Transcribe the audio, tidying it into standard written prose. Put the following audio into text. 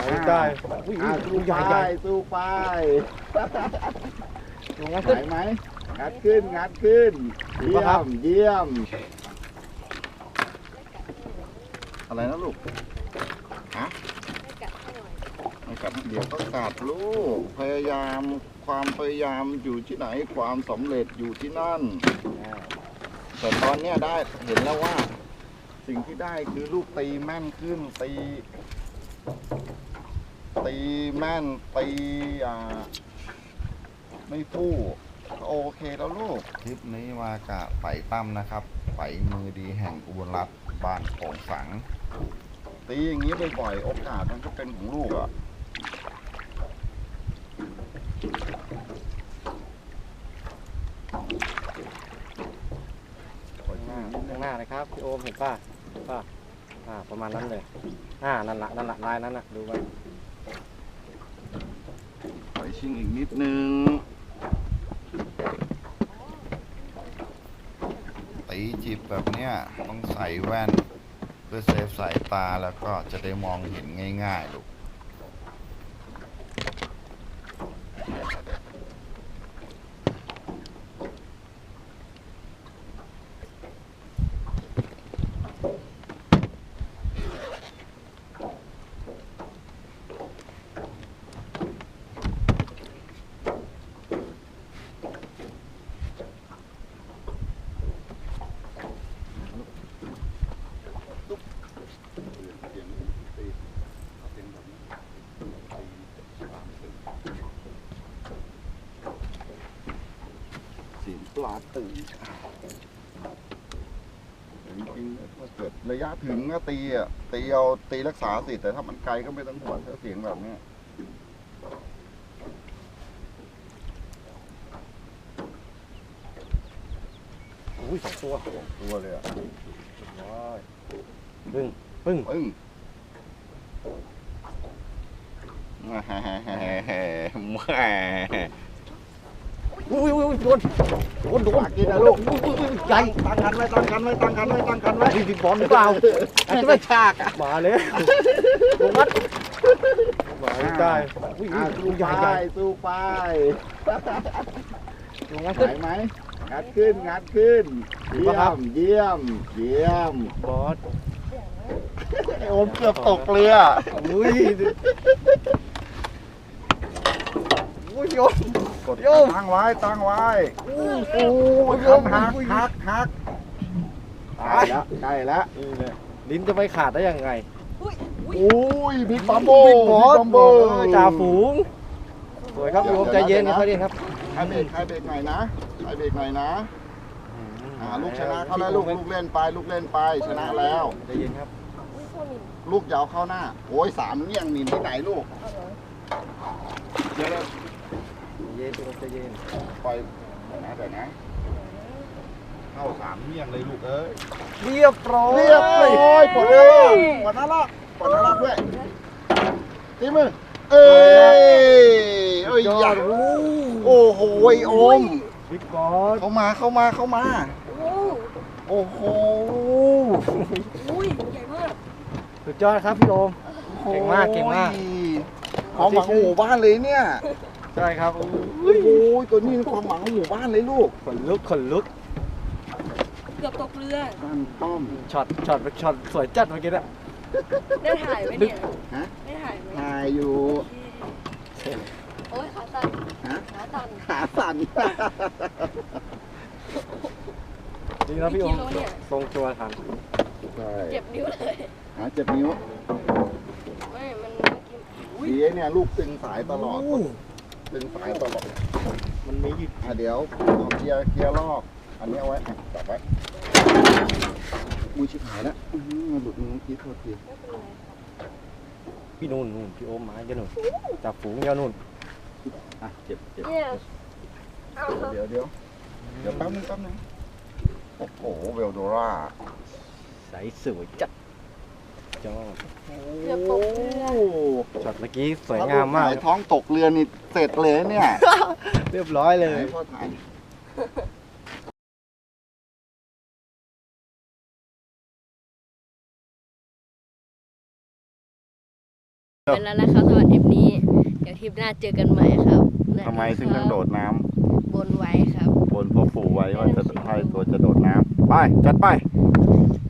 ได้สู้ไปสู้ไปไหวไหมงัดขึ้นงัดขึ้นเยี่ยมเยี่ยมอะไรนะลูกฮะไม่กัดเดี๋ยวก็กัดลูกพยายามความพยายามอยู่ที่ไหนความสำเร็จอยู่ที่นั่นแต่ตอนเนี้ยได้เห็นแล้วว่าสิ่งที่ได้คือลูกตีแม่นขึ้นตีแม่นตีไม่ฟู่โอเคแล้วลูกคลิปนี้มากะไฝ่ตั้มนะครับไฝ่มือดีแห่งอุบลรัตน์บ้านโป่งสังตีอย่างนี้บ่อยๆโอกาสมันก็เป็นของลูกอ่ะข้างหน้าเลยครับพี่โอมเห็นป่ะประมาณนั้นเลยนั่นละลายนั้นนะดูไว้ปล่อยชิงอีกนิดนึงตีจีบแบบเนี้ยต้องใส่แว่นเพื่อเซฟสายตาแล้วก็จะได้มองเห็นง่ายๆลูกปลาตื่นจริงๆถ้าเกิดระยะถึงก็ตีรักษาสิแต่ถ้ามันไกลก็ไม่ต้องห่วงถ้าเสียงแบบนี้สองตัวเลยอ่ะปึ้งแหมโดนกินนะลูกใหญ่ตั้งกันไว้พี่บอลหรือเปล่าอาจจะไม่ฉากมาเลยลงมัดมาได้สู้ไปสู้ไปลงมัดไหวไหมงัดขึ้นเยี่ยมบอสโอมเกือบตกเรือโยมตั้งไว้หักใกล้แล้วลิ้นจะไม่ขาดได้ยังไงบิ๊กบัมโบจ่าฝูงสวยครับโยมใจเย็นครับครับใครเบรกหน่อยนะลูกชนะเขาแล้วลูกเล่นไปชนะแล้วใจเย็นครับลูกยาวเข้าหน้าโอ้ย3เงี้ยงนินที่ไหนลูกเดี๋ยวใจเย็นปล่อยแต่นะเข้า3เงี้ยงเลยลูกเอ้ยเรียบร้อยปลดหน้าลากด้วยตีมือเอ้ยยอดโอ้โหโอมบิ๊กบอสเข้ามาโอ้โหใหญ่มากสุดยอดครับพี่โอมเก่งมากความหวังของหมู่บ้านเลยเนี่ยใช่ครับโอ้ยตัวนี้ความหวังของหมู่บ้านเลยลูกขนลุกเกือบตกเรือบ้านต้อมช็อตสวยจัดเมื่อกี้นะได้ถ่ายไหมเนี่ยได้ถ่ายไหมถ่ายอยู่โอ้ยขาสั่นดีนะพี่โอมทรงตัวทันเจ็บนิ้วเลยเจ็บนิ้วไม่มันดีเนี่ยลูกตึงสายตลอดมันมีอยู่เดี๋ยวเอาเกียร์ลอกอันนี้เอาไว้จับไว้มือชิบหายแล้วหลุดมือคิดโทษทีพี่นู่นพี่โอมมาเยอะหนุนจับฝูงเยอะนู่นเจ็บเดี๋ยวแป๊บนึงโอ้โหเวลโดราใสสวยจัดจอดช็อตเมื่อกี้สวยงามมากท้องตกเรือนี่เสร็จเลยเนี่ยเรียบร้อยเลยพ่อถ่ายไปแล้วนะครับสำหรับทริปนี้ เดี๋ยวทริปหน้าเจอกันใหม่ครับทำไมถึงต้องโดดน้ำบนไว้ครับบนพ่อปู่ไว้ว่าจะให้ตัวจะโดดน้ำไปจัดไป